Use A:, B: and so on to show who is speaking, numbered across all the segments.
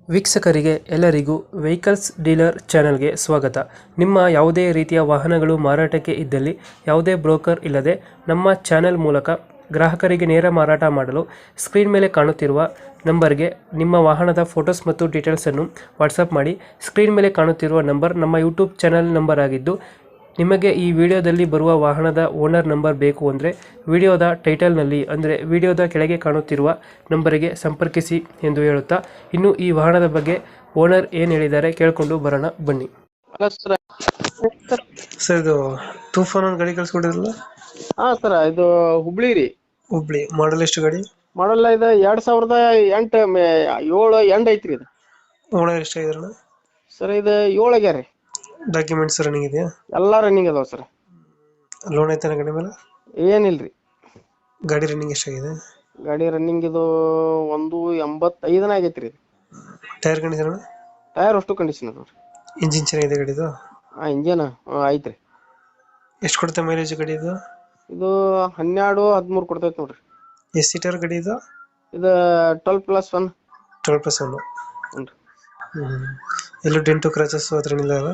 A: ವೀಕ್ಷಕರಿಗೆ ಎಲ್ಲರಿಗೂ vehicles dealer ಚಾನೆಲ್ಗೆ ಸ್ವಾಗತ. ನಿಮ್ಮ ಯಾವುದೇ ರೀತಿಯ ವಾಹನಗಳು ಮಾರಾಟಕ್ಕೆ ಇದ್ದಲ್ಲಿ ಯಾವುದೇ ಬ್ರೋಕರ್ ಇಲ್ಲದೆ ನಮ್ಮ ಚಾನೆಲ್ ಮೂಲಕ ಗ್ರಾಹಕರಿಗೆ ನೇರ ಮಾರಾಟ ಮಾಡಲು ಸ್ಕ್ರೀನ್ ಮೇಲೆ ಕಾಣುತ್ತಿರುವ ನಂಬರ್ಗೆ ನಿಮ್ಮ ವಾಹನದ ಫೋಟೋಸ್ ಮತ್ತು ಡೀಟೇಲ್ಸನ್ನು ವಾಟ್ಸಪ್ ಮಾಡಿ. ಸ್ಕ್ರೀನ್ ಮೇಲೆ ಕಾಣುತ್ತಿರುವ ನಂಬರ್ ನಮ್ಮ ಯೂಟ್ಯೂಬ್ ಚಾನೆಲ್ ನಂಬರ್ ಆಗಿದ್ದು, ನಿಮಗೆ ಈ ವಿಡಿಯೋದಲ್ಲಿ ಬರುವ ವಾಹನದ ಓನರ್ ನಂಬರ್ ಬೇಕು ಅಂದರೆ ವಿಡಿಯೋದ ಟೈಟಲ್ನಲ್ಲಿ ಅಂದರೆ ವಿಡಿಯೋದ ಕೆಳಗೆ ಕಾಣುತ್ತಿರುವ ನಂಬರಿಗೆ ಸಂಪರ್ಕಿಸಿ ಎಂದು ಹೇಳುತ್ತಾ, ಇನ್ನು ಈ ವಾಹನದ ಬಗ್ಗೆ ಓನರ್ ಏನು ಹೇಳಿದ್ದಾರೆ ಕೇಳಿಕೊಂಡು ಬರೋಣ ಬನ್ನಿ.
B: Hello sir.
A: ಸರ್, ಇದು ತೂಫಾನ್ ಒಂದು ಗಾಡಿ ಕಳ್ಸ್ಕೊಟ್ಟಿದ್ರಲ್ಲ?
B: ಹಾ ಸರ್, ಇದು ಹುಬ್ಳಿ ರೀ.
A: ಹುಬ್ಳಿ. ಮಾಡಲ್ ಎಷ್ಟು ಗಾಡಿ?
B: ಮಾಡಲ್ಲ ಇದು 2008 7 ಎಂಡ್ ಐತ್ರಿ ಇದು.
A: ಓನರ್ ಎಷ್ಟಾಗಿದ್ರಣ?
B: ಸರ್ ಇದು 7 ಆಗ್ಯಾರ ರೀ.
A: ಡಾಕ್ಯುಮೆಂಟ್ಸ್ ರನ್ನಿಂಗ್ ಇದೆಯಾ?
B: ಎಲ್ಲಾ ರನ್ನಿಂಗ್ ಅದಾವ ಸರ್.
A: ಲೋನ್ ಐತಾನ ಗಾಡಿ ಮೇಲೆ?
B: ಏನಿಲ್ರಿ.
A: ಗಾಡಿ ರನ್ನಿಂಗ್ ಎಷ್ಟಾಗಿದೆ?
B: ಗಾಡಿ ರನ್ನಿಂಗ್ ಇದು 185 ಆಗೈತ್ರಿ.
A: Tyre condition?
B: ಟೈರ್ ಅಷ್ಟು ಕಂಡೀಷನ್ ಅದಾವ್ರಿ.
A: ಇಂಜಿನ್ ಚೆನ್ನಾಗಿದೆ ಗಾಡಿದು?
B: ಇಂಜನ್ ಐತ್ರಿ.
A: ಎಷ್ಟು ಕೊಡುತ್ತೆ ಮೈಲೇಜ್ ಗಾಡಿ ಇದು?
B: ಇದು 12-13 ಕೊಡ್ತೈತಿ ನೋಡ್ರಿ.
A: ಎಷ್ಟು ಸೀಟರ್ ಗಾಡಿ ಇದು?
B: ಇದು 12+1.
A: 12+1.
B: ಹ್ಞೂ.
A: ಎಲ್ಲೂ ಡೆಂಟು ಕ್ರಾಚಸ್ ಹತ್ರ ಇಲ್ಲ ಅಲ್ಲ?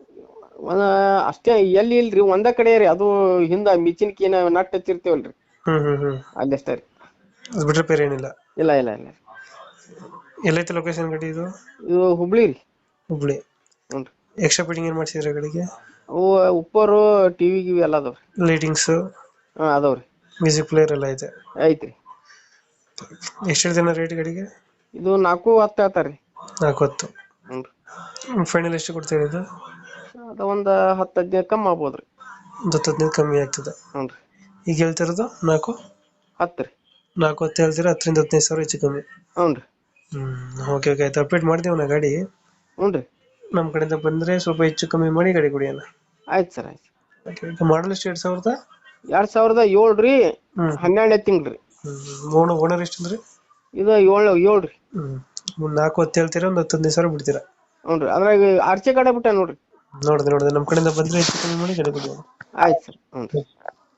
B: ಅಷ್ಟೇ, ಎಲ್ಲಿ ಇಲ್ರಿ, ಒಂದ ಕಡೆ ರೀ. ಅದು ಹಿಂದ ಮಿಚಿನ್ಕಿನ ನಟ್ ಹಚ್ಚಿರ್ತೇವಲ್ರಿ, ಅಲ್ಲಿ ಅಷ್ಟೇ ರೀ.
A: ಅದು ಬಿಟ್ರೆ ಬೇರೆ ಏನಿಲ್ಲ?
B: ಇಲ್ಲ ಇಲ್ಲ ಇಲ್ಲ.
A: ಎಲ್ಲೈತೆ ಲೊಕೇಶನ್ ಗಾಡಿ ಇದು?
B: ಇದು ಹುಬ್ಳಿ ರೀ.
A: ಹುಬ್ಳಿ.
B: ಹ್ಞೂ.
A: ಎಕ್ಸ್ಟ್ರಾ ಫಿಟ್ಟಿಂಗ್ ಏನು ಮಾಡಿಸಿದ್ರೆ ಗಾಡಿಗೆ?
B: ಅವು ಉಪ್ಪರು ಟಿವಿ ಗಿವಿ ಎಲ್ಲ ಅದಾವ್ರಿ.
A: ಲೈಟಿಂಗ್ಸ್?
B: ಅದಾವ್ರಿ.
A: ಮ್ಯೂಸಿಕ್ ಪ್ಲೇಯರ್ ಎಲ್ಲ ಐತೆ?
B: ಐತ್ರಿ.
A: ಎಷ್ಟು ಹೇಳ್ತಾನೆ ರೇಟ್ ಗಾಡಿಗೆ?
B: ಇದು 4-10 ಹೇಳ್ತಾರ್ರಿ.
A: 4-10.
B: ಹ್ಞೂ.
A: ಫೈನಲ್ ಎಷ್ಟು ಕೊಡ್ತೀರಿ ಇದು?
B: ಅದು ಒಂದು 10-15 ಕಮ್ಮಿ ಆಗ್ಬೋದ್ರಿ.
A: ಒಂದು 10-15 ಕಮ್ಮಿ ಆಗ್ತದೆ?
B: ಹ್ಞೂ ರೀ.
A: ಈಗ ಹೇಳ್ತಿರೋದು 4-10
B: ರೀ.
A: 4-10 ಹೇಳ್ತೀರಾ? 10-15 ಸಾವಿರ ಹೆಚ್ಚು ಕಮ್ಮಿ?
B: ಹ್ಞೂ ರೀ.
A: ಓಕೆ ಓಕೆ, ಆಯ್ತು. ಅಪ್ಡೇಟ್ ಮಾಡ್ತೀವಿ ನಾ ಗಾಡಿ.
B: ಹ್ಞೂ ರೀ.
A: ನಮ್ಮ ಕಡೆಯಿಂದ ಬಂದರೆ ಸ್ವಲ್ಪ ಹೆಚ್ಚು ಕಮ್ಮಿ ಮಾಡಿ ಗಾಡಿ ಕೊಡಿ ಅಣ್ಣ.
B: ಆಯ್ತು ಸರ್, ಆಯ್ತು.
A: ಓಕೆ. ಈಗ ಮಾಡಲ್ ಎಷ್ಟು? 2000?
B: 2007 ರೀ. 12 ತಿಂಗ್ಳು ರೀ.
A: ಓನರ್ ಎಷ್ಟು ಅಂದ್ರೆ?
B: ಇದು 7 ರೀ.
A: 4-10 ಹೇಳ್ತೀರಾ? ಒಂದು 10-15 ಸಾವಿರ ಬಿಡ್ತೀರಾ?
B: ಹ್ಞೂ ರೀ. ಅದ್ರಾಗ ಆರ್ಚೆ ಕಡೆ ಬಿಟ್ಟ ನೋಡ್ರಿ.
A: ನೋಡಿದೆ ನಮ್ಮ ಕಡೆಯಿಂದ ಬಂದರೆ ಹೆಚ್ಚು ಕಮ್ಮಿ ಮಾಡಿ ಗಾಡಿ ಕೊಡಿ.
B: ಆಯ್ತು ಸರ್. ಹ್ಞೂ ರೀ.